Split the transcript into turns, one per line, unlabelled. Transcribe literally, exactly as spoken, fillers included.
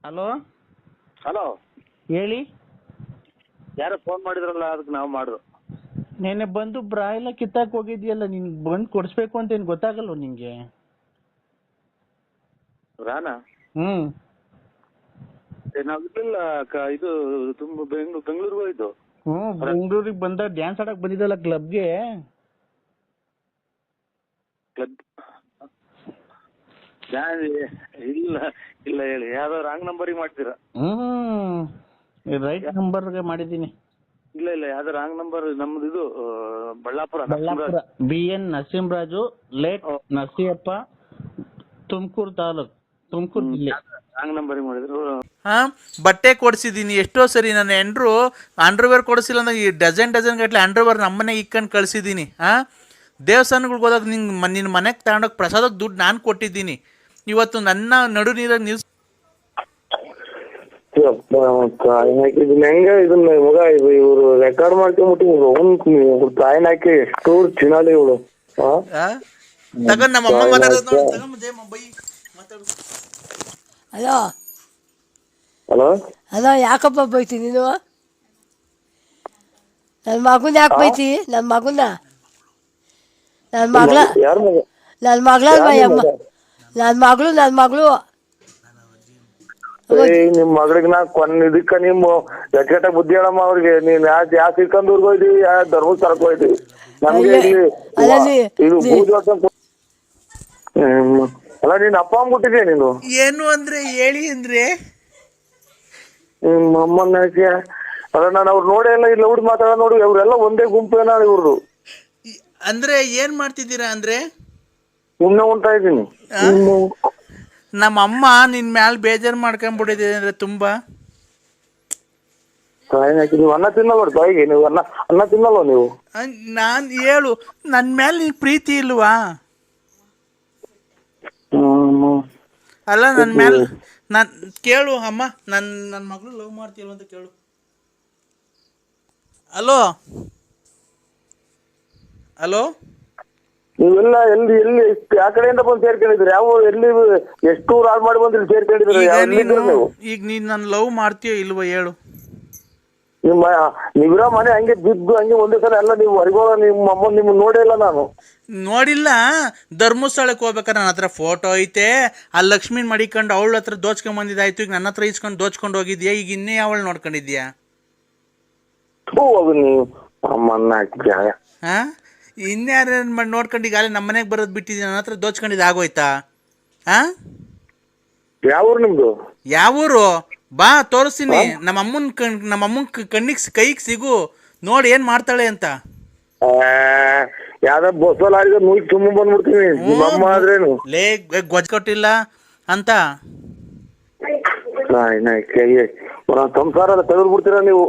Hello
hello
ಹೇಳಿ.
ಯಾರೋ phone ಮಾಡಿದ್ರಲ್ಲ, ಅದಕ್ಕೆ ನಾವು ಮಾಡಿದ್ರು.
ನೆನ್ನೆ ಬಂದು ಬ್ರಾ ಎಲ್ಲ ಕಿತ್ತಾಕ್ ಹೋಗಿದ್ಯಲ್ಲ, ನಿನ್ ಬಂದು ಕೊಡಿಸ್ಬೇಕು ಅಂತ ಏನು ಗೊತ್ತಾಗಲ್ವ ನಿಂಗೆ?
ರಾನಾ
ಹ್ಮ್
ನಾವು ಇರ್ಲಿಲ್ಲ ಕ- ಇದು ತುಂಬ ಬೆಂಗ್ಳೂರು ಬೆಂಗಳೂರಿಗೆ ಹೋಯ್ತು.
ಹ್ಮ್ ಬೆಂಗಳೂರಿಗೆ ಬಂದ ಡ್ಯಾನ್ಸ್ ಆಡಕ್ ಬಂದಿದ್ದಲ್ಲ ಕ್ಲಬ್ಗೆ.
ಕ್ಲಬ್ ಇಲ್ಲ ಇಲ್ಲ ಹೇಳಿ, ಯಾವ್ದೋ ರಾಂಗ್ ನಂಬರಿಗೆ ಮಾಡ್ತೀರಾ?
ಹ್ಮ್ ರೈಟ್ ನಂಬರ್ಗೆ ಮಾಡಿದ್ದೀನಿ.
ಇಲ್ಲ ಇಲ್ಲ ಯಾವ್ದೋ ರಾಂಗ್ ನಂಬರ್. ನಮ್ದು ಇದು ಆ, Ballapura
Ballapura B N Narasimharaju late
ಓ.
ನರಸಿಯಪ್ಪ, ತುಮಕೂರು ತಾಲೂಕ್, ತುಮಕೂರು ಜಿಲ್ಲೆ.
ರಾಂಗ್ ನಂಬರಿಗೆ ಮಾಡಿದ್ರು.
ಹಾ ಬಟ್ಟೆ ಕೊಡಿಸಿದ್ದೀನಿ ಎಷ್ಟೋ ಸರಿ. ನನ್ನ ಎಂಡ್ರು ಅಂಡರ್ವೇರ್ ಕೊಡಿಸಿಲ್ಲ ಅಂದ್ರೆ ಈ ಡಜನ್ ಡಜನ್ ಗಟ್ಟಲೆ ಅಂಡರ್ವೇರ್ ನಮ್ಮನೆಗೆ ಇಕ್ಕೊಂಡು ಕಳಿಸಿದ್ದೀನಿ. ಹಾಂ ದೇವಸ್ಥಾನಗಳಿಗೆ ಹೋದಾಗ ನಿಂಗೆ ನಿನ್ನ ಮನೆಗೆ ತಗೊಂಡೋಗಿ ಪ್ರಸಾದಕ್ಕೆ ದುಡ್ಡು ನಾನು ಕೊಟ್ಟಿದ್ದೀನಿ. ಇವತ್ತು ನನ್ನ ನಡು ನೀರಾಗ ನಿಲ್ಸ್
ಹೆಂಗ ಇದನ್ನ ಮಗ ಇದು ಇವ್ರು ರೆಕಾರ್ಡ್ ಮಾಡ್ಕೊಂಡ್ಬಿಟ್ಟು ತಾಯಿನ ಹಾಕಿ ಎಷ್ಟು ಚಿನಾಲಿ ಇವಳು.
ತಗೊಂಡು ನಮ್ಮ ಅಮ್ಮ ಮಾತಾಡೋದು ನೋಡಿ. ತಗೊಂಡು ಜಯಮ್ಮ ಬೈ ಮಾತಾಡು.
ಹಲೋ
ಹಲೋ
ಹಲೋ ಯಾಕಪ್ಪ ಬೈತಿ ನೀನು? ನನ್ನ ಮಗನ ಯಾಕೆ ಬೈತಿ? ನನ್ನ ಮಗನ ನನ್ನ ಮಗಳ
ಯಾರ ಮಗ?
ನನ್ನ ಮಗಳ ಅಮ್ಮ ನನ್ನ ಮಗಳು ನನ್ನ ಮಗಳು
ನಿಮ್ ಮಗಳಿಗೆ ನಾ ಕೊನ್ ಇದಕ್ಕ ನಿಮ್ಮ ಎಟ್ಟ ಬುದ್ಧಿ ಹೇಳಮ್ಮ ಅವ್ರಿಗೆ. ನೀನ್ ಯಾ ಯಾ ಸಿಕ್ಕಂದೂರ್ಗ್ ಹೋಯ್ತಿವಿ, ಯಾ ಧರ್ಮಸ್ಥಳಕ್ಕೆ ಹೋಯ್ತಿವಿ. ನಮ್ಗೆ ಇಲ್ಲಿ
ಅಲ್ಲ ನೀ-
ಇದು
ನೀ-
ಪೂಜೆ ಹ್ಮ್. ಅಲ್ಲ ನೀನ್ ಅಪ್ಪ ಅಂದ್ಬಿಟ್ಟಿದ್ಯಾ ನೀನು?
ಏನು ಅಂದ್ರೆ ಹೇಳಿ ಅಂದ್ರೆ
ನಿಮ್ಮ ಅಮ್ಮನ ಯಾಕೆ? ಅಲ್ಲ ನಾನು ಅವ್ರು ನೋಡೇ ಇಲ್ಲ, ಇಲ್ಲಿ ಹುಡುಗಿ ಮಾತಾಡ ನೋಡಿ, ಅವ್ರೆಲ್ಲ ಒಂದೇ ಗುಂಪೇನ ಇವ್ರದು.
ಈ- ಅಂದ್ರೆ ಏನ್ ಮಾಡ್ತಿದ್ದೀರಾ ಅಂದ್ರೆ
ಸುಮ್ನೆ ಉಂಟಾ ಇದ್ದೀನಿ.
ನಮ್ಮ ಅಮ್ಮ ನಿನ್ ಮ್ಯಾಲ ಬೇಜಾರು ಮಾಡ್ಕೊಂಡ್ಬಿಟ್ಟಿದೆ ಅಂದ್ರೆ ತುಂಬಾ.
ನೀವು ಅನ್ನ ತಿನ್ನಲ್ವ ತಾಯಿಗೆ? ನೀವು ಅನ್ನ ಅನ್ನ ತಿನ್ನಲ್ವ ನೀವು?
ನಾನು ಹೇಳು, ನನ್ನ ಮೇಲೆ ನಿನ್ ಪ್ರೀತಿ ಇಲ್ವಾ?
ಹ್ಮ್.
ಅಲ್ಲ ನನ್ನ ಮೇಲೆ ನಾನು ಕೇಳು ಅಮ್ಮ, ನನ್ನ ನನ್ನ ಮಗಳು ಲವ್ ಮಾಡ್ತೀಲ್ವ ಅಂತ ಕೇಳು. ಹಲೋ ಹಲೋ
ನೀವೆಲ್ಲ ಎಲ್ಲಿ ಎಲ್ಲಿ ಯಾವ ಕಡೆಯಿಂದ ಬಂದು ಸೇರ್ಕೊಂಡಿದ್ರಿ? ಯಾವ ಎಲ್ಲಿ ಎಷ್ಟು ಹಾಳು ಮಾಡಿ ಬಂದ್ರಿ ಸೇರ್ಕೊಂಡಿದ್ರಿ?
ಈಗ
ಯಾವ
ನೀನು
ಎಲ್ಲಿದ್ದೀರಿ ನೀವು?
ಈಗ ನೀನು ನನ್ನ ಲವ್ ಮಾಡ್ತೀಯೋ ಇಲ್ವೋ ಹೇಳು.
ನಿಮ್ಮ ನೀವಿರೋ ಮನೆ ಹಂಗೆ ಬಿದ್ದು ಹಂಗೆ ಒಂದೇ ಸಲ ಎಲ್ಲ ನೀವು ಹೊರಗೋಗ. ನಿಮ್ಮ ಅಮ್ಮ ನಿಮ್ಮ ನೋಡೇ ಇಲ್ಲ ನಾನು.
ನೋಡಿಲ್ಲ. ಧರ್ಮಸ್ಥಳಕ್ಕೆ ಹೋಗ್ಬೇಕಾರೆ ನನ್ನ ಹತ್ರ ಫೋಟೋ ಐತೆ. ಆ ಲಕ್ಷ್ಮೀನ್ ಮಡಿಕೊಂಡು ಅವಳ ಹತ್ರ ದೋಚ್ಕೊಂಡ್ ಬಂದಿದ್ದಾಯ್ತು. ಈಗ ನನ್ನ ಹತ್ರ ಇಸ್ಕೊಂಡು ದೋಚ್ಕೊಂಡು ಹೋಗಿದ್ಯಾ. ಈಗ ಇನ್ನೇ ಅವಳು ನೋಡ್ಕೊಂಡಿದ್ಯಾ?
ಥೂ ಅದು ನೀವು ಅಮ್ಮನ್ನ ಹಾಕಿ.
ಹಾಂ ಇನ್ಯಾರು ಮಾಡಿ ನೋಡ್ಕೊಂಡು ಈಗ ನಮ್ಮ ಮನೆಗೆ ಬರೋದು ಬಿಟ್ಟಿದ್ಯಾ? ನನ್ನ ಹತ್ರ ದೋಚ್ಕೊಂಡಿದ್ದು ಆಗೋಯ್ತಾ? ಹಾಂ
ಯಾವ ಊರು ನಿಮ್ದು?
ಯಾವೂರು? ಬಾ ತೋರಿಸ್ತೀನಿ. ನಮ್ಮ ಅಮ್ಮನ ಕಣ್ ನಮ್ಮ ಅಮ್ಮನ ಕಣ್ಣಿಗೆ ಕೈಗೆ ಸಿಗು, ನೋಡಿ ಏನು ಮಾಡ್ತಾಳೆ ಅಂತ.
ಯಾವ್ದ ಬಸ್ಸಲ್ಲಿ ಆಡಿದ್ರೆ ನೂಲ್ ತುಂಬ ಬಂದ್ಬಿಡ್ತೀನಿ. ನಿಮ್ಮ ಅಮ್ಮ ಆದ್ರೇನು
ಲೇ ಗೊಜ್ಜು ಕೊಟ್ಟಿಲ್ಲ ಅಂತ
ಸಂಸಾರ ತೆಗೆದು ಬಿಡ್ತೀರಾ ನೀವು?